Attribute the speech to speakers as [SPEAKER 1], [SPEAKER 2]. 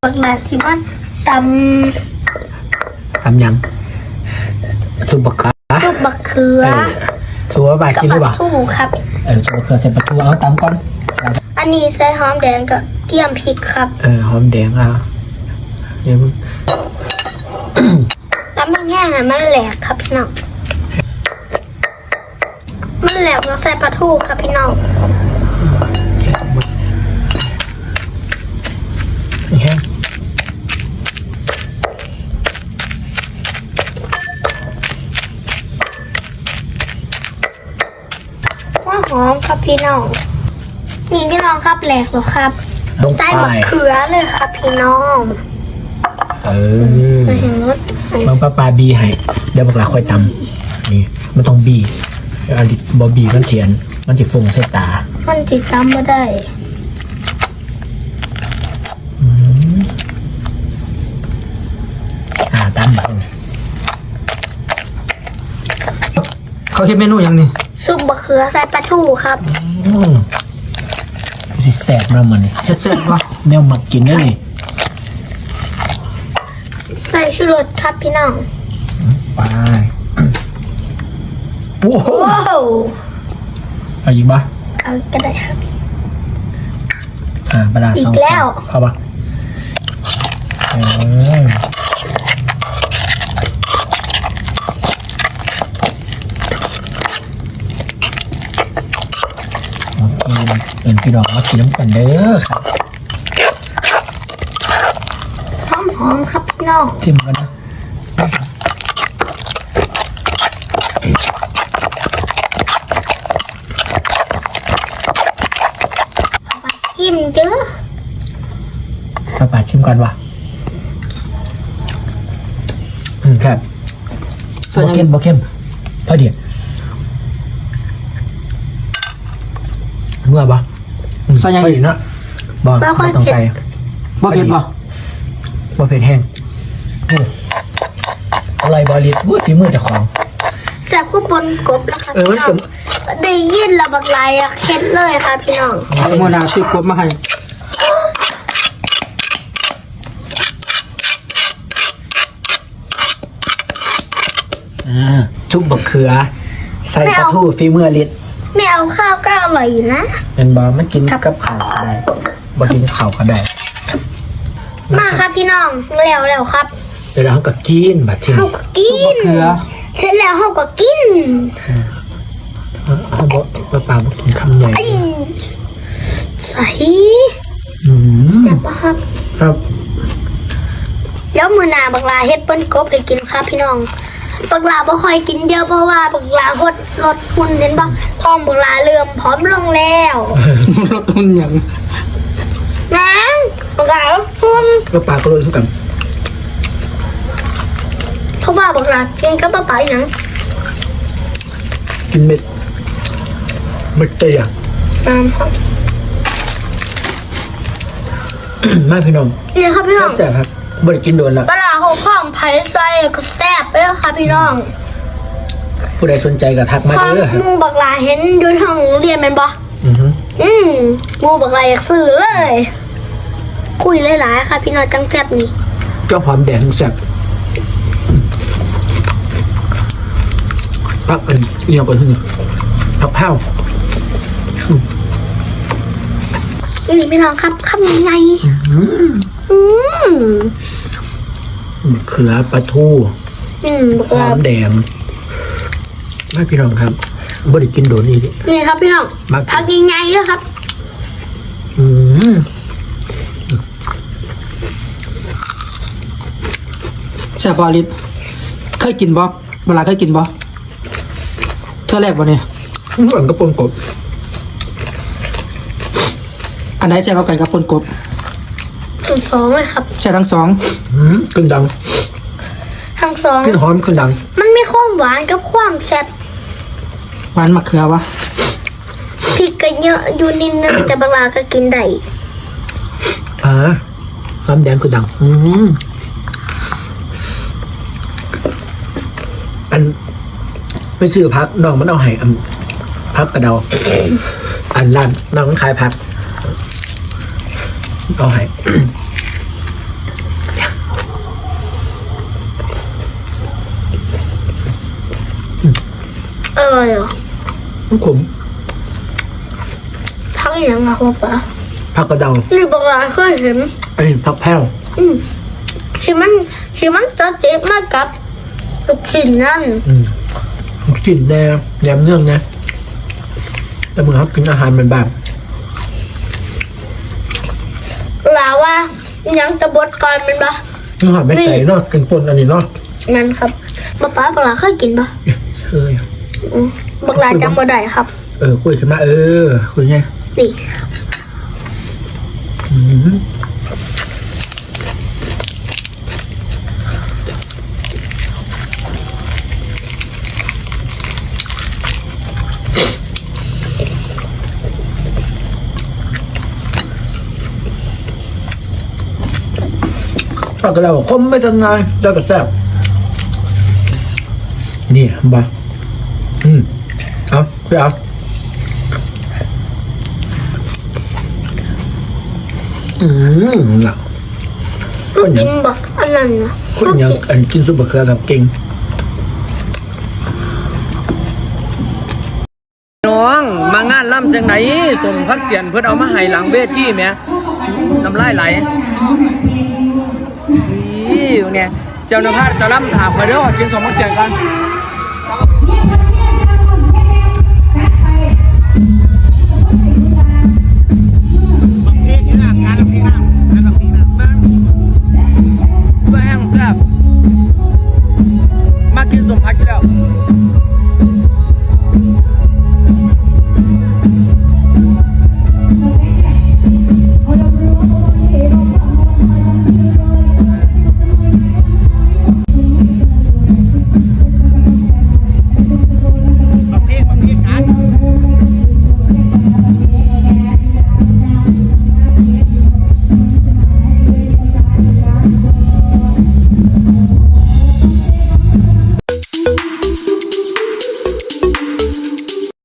[SPEAKER 1] บักลาสิมันต
[SPEAKER 2] ยังซุปบักเขือ
[SPEAKER 1] ำลูกบักเขือ
[SPEAKER 2] ซัวบากินหรือเปล่า
[SPEAKER 1] ถูกครับ
[SPEAKER 2] ซัวเขือใส่ปลาทูเอาตำก่อน
[SPEAKER 1] อันนี้ใส่หอมแดงกับเกี๊ยมพริกครับ
[SPEAKER 2] หอมแดงอ่ะเนี่ย
[SPEAKER 1] แล้วมันแห้งอ่ะมันแหลกครับพี่น้องมันแหลกแล้วใส่ปลาทูครับพี่น้อง
[SPEAKER 2] แห้ง
[SPEAKER 1] ว่าหอมครับพี่น้องนี่พี่น้องครับแหลกแล้วครับใส่มะเขือเลยครับพี่น้องใส่รส
[SPEAKER 2] มันปลาบีให้เดี๋ยวบอกลาค่อยตำนี่มันต้องบีอลิบอบีมันเฉียนมันจะฟงใส่ตา
[SPEAKER 1] มันติดตามไม่ได้
[SPEAKER 2] ตำแบบเขาเห็นเมนูยังนี่
[SPEAKER 1] ซุปมะเขือใส่ปลาทูครับ
[SPEAKER 2] สิแสบมาเหมือนนี่แสบวะแนวหมักกินได้เลย
[SPEAKER 1] ใส่ชูรสครับพี่น้อง
[SPEAKER 2] ไปว้าวเอาอีกปะ
[SPEAKER 1] เอาก็ได้ครับ
[SPEAKER 2] ปลาสอง
[SPEAKER 1] แล้ว
[SPEAKER 2] เอาปะเป็นพี่น้องมากินน้ำกันเด้อครับ
[SPEAKER 1] หอมครับพี่น้อง
[SPEAKER 2] ชิมกันนะ
[SPEAKER 1] ชิมเด้อ
[SPEAKER 2] ป้าชิมกันวะครับบ่เข้มพอดีเมื่อปะ
[SPEAKER 3] ใส่ยัง
[SPEAKER 2] อีกนะบ่ต้องใส่
[SPEAKER 3] บ่เผ็ดบ่
[SPEAKER 2] เผ็ดแห้งอะไรบอลิดฝีมือเจ้าของ
[SPEAKER 1] แซ่บคู่บนกบแล้วครับพี่น้องได้ยินระบักลายเค็ดเลยค่ะพี่น้อง
[SPEAKER 3] โมนาซื้อกบมาให้
[SPEAKER 2] ชุบบักเขือใส่ปลาทูฝีมือลิด
[SPEAKER 1] ไม่เอาข้าวก็อร่อยอยู่นะ
[SPEAKER 2] เป็นบอไม่กินกับข้าวก็ได้บอกินข้าวก็ได้
[SPEAKER 1] มาครับพี่น้องแล้วครับ
[SPEAKER 2] เดี๋ยวเราก็กินแบบที่
[SPEAKER 1] เขาก็กินเสร็จแล้วเขาก็กิน
[SPEAKER 2] เขาบอกปลาบอกกินคำใหญ่
[SPEAKER 1] ใส่
[SPEAKER 2] แ
[SPEAKER 1] ซ่บปะครับแล้วมือหนาบักลาเฮ็ดเปิ้ลกบให้กินครับพี่น้องบักลาบ่ค่อยกินเยอะเพราะว่าบักลาลดหุ่นเห็นปะท้องบักลาเริ่มผอมลงแล้ว
[SPEAKER 3] ลดหุ่นอย่าง
[SPEAKER 1] น้ำบักลาลดหุ่น
[SPEAKER 2] ก็ปลาก็เลยทุกกัน
[SPEAKER 1] เขาว่าบักลากินกับปลาอย่าง
[SPEAKER 2] กินเม็ดเตย
[SPEAKER 1] ครับ
[SPEAKER 2] มาพี่น้อง
[SPEAKER 1] นี่ครับพี่น้อง
[SPEAKER 2] แซ่บครับบริกินโดนแล้ว
[SPEAKER 1] ปลาหกข้องไผ่ใส่ก็แซ่บไปแล้วค่ะพี่น้อง
[SPEAKER 2] ผู้ใดสนใจก็ทักมาเด้อ
[SPEAKER 1] มูบักลาเห็นดูทางเรียนมันบ่มูบักลาอยากซื้อเลยคุยหลายๆค่ะพี่น้องจังแซ่บนี่
[SPEAKER 2] เจ้าหอมแดงแซ่บพักเป็นเนียวกันที่นี่พักแพ้ว
[SPEAKER 1] นี่พี่น้องครับคำยังไง
[SPEAKER 2] เขือปลาทูหอมแดงไม่พี่น้องครับบริกินโดน
[SPEAKER 1] นี่ครับพี่น้องพักยังไงด้วยครับ
[SPEAKER 3] แซ่บบ่ลิศเคยกินบ่เวลาเคยกินบ่เท่าแรกบ่เนี่ย
[SPEAKER 2] เหมือนกับปนกบ
[SPEAKER 3] อันไหนแซ่บกันกับปนกบ
[SPEAKER 1] ทั้งสองเลยครับ
[SPEAKER 3] ใช่ทั้งสอง
[SPEAKER 2] ขึ้นดัง
[SPEAKER 1] ทั้งสอง
[SPEAKER 2] ขึ้นหอมขึ้นดัง
[SPEAKER 1] มันมีความหวานกับความแซ่บ
[SPEAKER 3] หวานมะเขือวะ
[SPEAKER 1] พริกก็เยอะอยู่นิดนึงแต่บางร้านก็กินได้
[SPEAKER 2] น้ำแดงขึ้นดังอันไปซื้อพักน้องมันเอาให้พักกระเดาอันร้านน้องมันขายพักเอาให้
[SPEAKER 1] ร่อยเหรอ
[SPEAKER 2] มันขม
[SPEAKER 1] พักอย่างไรครับป๊า
[SPEAKER 2] ผักกระเดา
[SPEAKER 1] นี่บักลาเคยเห็น
[SPEAKER 2] ไอ้ผักแพ้ว
[SPEAKER 1] ที่มันจะเจ็บมากกับลูกชิ้นนั่น
[SPEAKER 2] กลิ่นแหนมเนื่องนะแต่เมื่อเขากินอาหารเป็นแบบ
[SPEAKER 1] ลาว่ายังจะบดก่อนเป็นปะ
[SPEAKER 2] นี่หอมไม่ไก่เนาะกินปนอันนี้เนาะ
[SPEAKER 1] นั่นครับป๊าบักลาเคยกินปะ
[SPEAKER 2] เอ้ย
[SPEAKER 1] บักลาจำบ่ได้ครับ
[SPEAKER 2] คุยใช่ไหมคุยไง
[SPEAKER 1] นี่
[SPEAKER 2] ผักกระเดาคมไม่ทันไงได้กระแซบนี่บ้าเอาไปเอาน่ะ
[SPEAKER 1] ก็กินบักอันนั้นนะ
[SPEAKER 2] คนยังอันกินซุปมะเขือกับเก่ง
[SPEAKER 4] น้องมางานล่ำจังไหนส่งพัดเสียนเพื่อนเอามาให้หลังเวทีแหม่น้ำลายไหลนี่เนี่ยเจ้าหน้าที่จะล่ำถามมาเด้อกินสมพัดเสียนกัน